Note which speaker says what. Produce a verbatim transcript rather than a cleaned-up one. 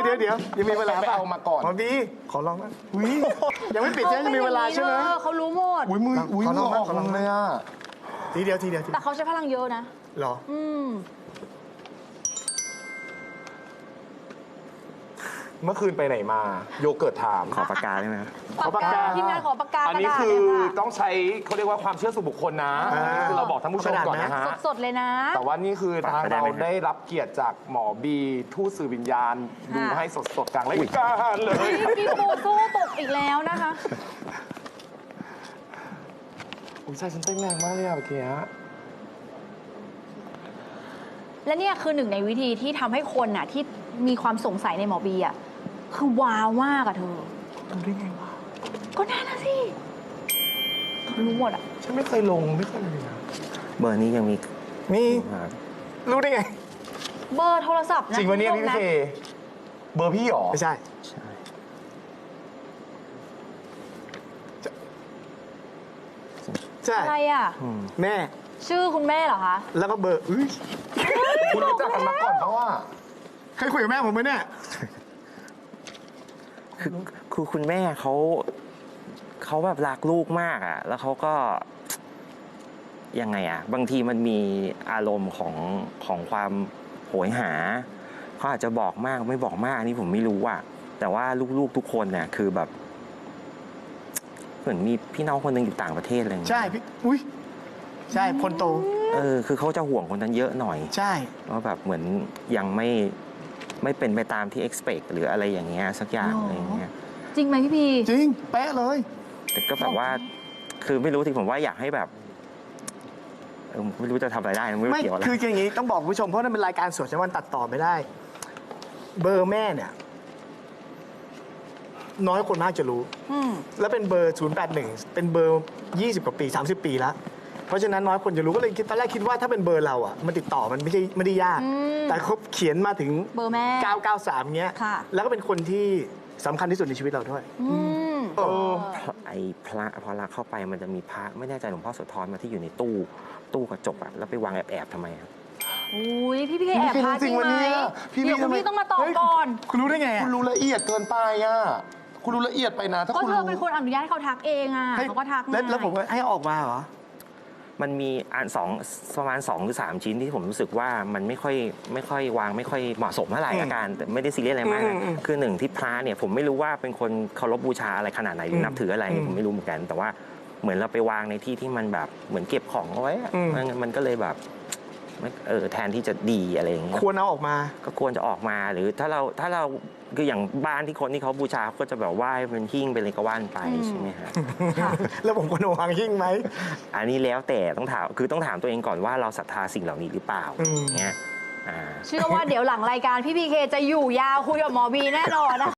Speaker 1: เดี๋ยวเดี๋ยวยังมีเวลา
Speaker 2: ไปเอามาก่อน
Speaker 1: หมอบีขอลองนะอุ้ยยังไม่ปิดใช่ไหมยังมีเวลาใช่ไหม
Speaker 3: เขารู้หมด
Speaker 2: อุ้ยมืออุ้ย
Speaker 1: ขอล
Speaker 2: มื
Speaker 1: อง
Speaker 2: อ
Speaker 1: บ้าง
Speaker 2: ออก
Speaker 1: ขอลอง
Speaker 2: เลยอ่ะ
Speaker 1: ทีเดียวทีเดียวที
Speaker 3: แต่เขาใช้พลังเยอะนะ
Speaker 1: หรอ
Speaker 3: อืม
Speaker 2: เมื่อคืนไปไหนมาโยเกิร์ตถาม
Speaker 4: ขอปากกาได้ไหมครับ
Speaker 3: ปากกาทีมงานขอปากกา
Speaker 2: อันนี้
Speaker 3: กระดาษ
Speaker 2: คือ
Speaker 3: เลยค่ะ
Speaker 2: ต้องใช้เขาเรียกว่าความเชื่อส่วนบุคคลนะคือเราบอกท่านผู้ชมก่อนนะฮะ
Speaker 3: สดๆเลยนะ
Speaker 2: แต่ว่านี่คือทาง
Speaker 4: ไปได้
Speaker 2: เรา
Speaker 4: ไหมครับ
Speaker 2: ได้รับเกียรติจากหมอบีทูตสื่อวิญญาณ ดู
Speaker 3: ค่ะ
Speaker 2: ให้สดๆกลางรายการเลย
Speaker 3: พี่ปูสู้ตกอีกแล้วนะคะ
Speaker 2: อุ้ยใจฉันเต้นแรงมากเลยอะเมื่อกี้
Speaker 3: และเนี่ยคือหนึ่งในวิธีที่ทำให้คนน่ะที่มีความสงสัยในหมอบีอ่ะคือว้าวมากอะเธอ
Speaker 1: รู้ได้ไงวะ
Speaker 3: ก็นั่นนะสิรู้หมดอ่ะ
Speaker 2: ฉันไม่เคยลงไม่เคยเลยนะ
Speaker 4: เบอร์นี้ยังมี
Speaker 1: มี
Speaker 4: ครับ
Speaker 1: รู้ได้ไง
Speaker 3: เบอร์โทรศัพท์นะ
Speaker 2: จริงวันนี้
Speaker 3: คุณ
Speaker 2: พี่
Speaker 3: ผู้ชม
Speaker 2: เคเบอร์พี่หรอ
Speaker 1: ไม่ใช่
Speaker 4: ใช่
Speaker 1: ใช่
Speaker 3: อะไรอ่ะ
Speaker 4: อืม
Speaker 1: แม่
Speaker 3: ชื่อคุณแม่เหรอคะ
Speaker 1: แล้วก็เบอร์อุ้ย
Speaker 2: คุณรู้จักกันมาก่อนเพราะว่า
Speaker 1: เคยคุยกับแม่ผมไหมเนี่ย
Speaker 4: คือคือคุณแม่เขาเขาแบบรักลูกมากอ่ะ แล้วเขาก็ยังไงอ่ะ บางทีมันมีอารมณ์ของของความโหยหาเขาอาจจะบอกมากไม่บอกมากอันนี่ผมไม่รู้อ่ะแต่ว่าลูกๆทุกคนเนี่ยคือแบบ เหมือนมีพี่น้องคนหนึ่งอยู่ต่างประเทศอะไรอย่างเงี้ย
Speaker 1: ใช่พี่อุ้ยใช่คนโต
Speaker 4: เออคือเขาจะห่วงคนนั้นเยอะหน่อย
Speaker 1: ใช่
Speaker 4: ว่าแบบเหมือนยังไม่ไม่เป็นไปตามที่ expect หรืออะไรอย่างเงี้ยสักอย่าง
Speaker 3: หรออ
Speaker 4: อะไรอย่างเงี้ย
Speaker 3: จริงไหมพี่พี
Speaker 1: จริง เป๊ะเลย
Speaker 4: แต่ก็แบบว่าคือไม่รู้ที่ผมว่าอยากให้แบบเออไม่รู้จะทำอะไรได้ไม่รู้
Speaker 1: ไม่
Speaker 4: เกี่ยวอะไร
Speaker 1: คืออย่างนี้ต้องบอกคุณผู้ชมเพราะนั่นเป็นรายการสดใช่ไหมมันตัดต่อไม่ได้ เบอร์แม่เนี่ย น้อยคนมากจะรู้
Speaker 3: อืม
Speaker 1: แล้วเป็นเบอร์ ศูนย์ แปด หนึ่ง เป็นเบอร์ ยี่สิบ กว่าปี สามสิบ ปีแล้ว เพราะฉะนั้นน้อยคนจะรู้ก็เลยคิดตอนแรกคิดว่าถ้าเป็นเบอร์เราอ่ะมันติดต่อมันไม่ใช่ไม่ได้ยาก
Speaker 3: อืม
Speaker 1: แต่เขาเขียนมาถึง
Speaker 3: เบอร์แม่
Speaker 1: เก้าเก้าสามเงี้ย
Speaker 3: ค่ะ
Speaker 1: แล้วก็เป็นคนที่สำคัญที่สุดในชีวิตเราด้วย
Speaker 3: อืม
Speaker 1: เออ
Speaker 4: ไอ้พระพอเราเข้าไปมันจะมีพระไม่แน่ใจหลวงพ่อโสธรมาที่อยู่ในตู้ตู้กระจกอะแล้วไปวางแอบๆทำไมครับ
Speaker 3: อุ้ยพี่พีแอบพาจริงไหม
Speaker 2: พี่
Speaker 3: เดี๋ยวคุณ
Speaker 2: ทำไม
Speaker 3: พี่ต้องมาตอบ
Speaker 2: เฮ้ย
Speaker 3: ก่อน
Speaker 1: คุณรู้ได้ไง
Speaker 2: คุณรู้ละเอียดเกินไปอ่ะคุณรู้ละเอียดไปนะถ้า
Speaker 3: ก็
Speaker 2: คุณ
Speaker 3: เธอ
Speaker 2: รู้
Speaker 3: เป็นคนอนุญาตให้เขาทักเองอ่ะ
Speaker 1: ให้
Speaker 3: เขาก็ทัก
Speaker 1: แล้ว
Speaker 3: ง่าย
Speaker 1: แล้วผมก็ให้ออกมาเหรอ
Speaker 4: มันมีอันสองประมาณสองหรือสามชิ้นที่ผมรู้สึกว่ามันไม่ค่อยไม่ค่อยวางไม่ค่อยเหมาะสมเท่าไหร่
Speaker 1: อืม
Speaker 4: อาการแต่ไม่ได้ซีเรียสอะไรมาก
Speaker 1: อื
Speaker 4: นะ
Speaker 1: มอืม
Speaker 4: คือหนึ่งที่พระเนี่ยผมไม่รู้ว่าเป็นคนเคารพบูชาอะไรขนาดไหนหรือนับถืออะไร
Speaker 1: อืม
Speaker 4: ผมไม่รู้เหมือนกัน แต่ว่าเหมือนเราไปวางในที่ที่มันแบบเหมือนเก็บของเอาไว้อะ
Speaker 1: อืม
Speaker 4: มันมันก็เลยแบบไม่เออแทนที่จะดีอะไรอย่างเงี้ย
Speaker 1: ควรเอาออกมา
Speaker 4: ก็ควรจะออกมาหรือถ้าเราถ้าเราคืออย่างบ้านที่คนที่เขาบูชาเขาก็จะแบบไหว้เป็นหิ้งเป็นอะไรก็ว่านไปใช่ไหมฮะ
Speaker 3: ค่ะ
Speaker 1: แล้วผมควรเอาวางหิ้งไหม
Speaker 4: อันนี้แล้วแต่ต้องถามคือต้องถามตัวเองก่อนว่าเราศรัทธาสิ่งเหล่านี้หรือเปล่า
Speaker 1: อืม
Speaker 4: อย่างเงี้ยอ่า
Speaker 3: เชื่อว่าเดี๋ยวหลังรายการพี่พีเคจะอยู่ยาวคุยกับหมอบีแน่นอนนะ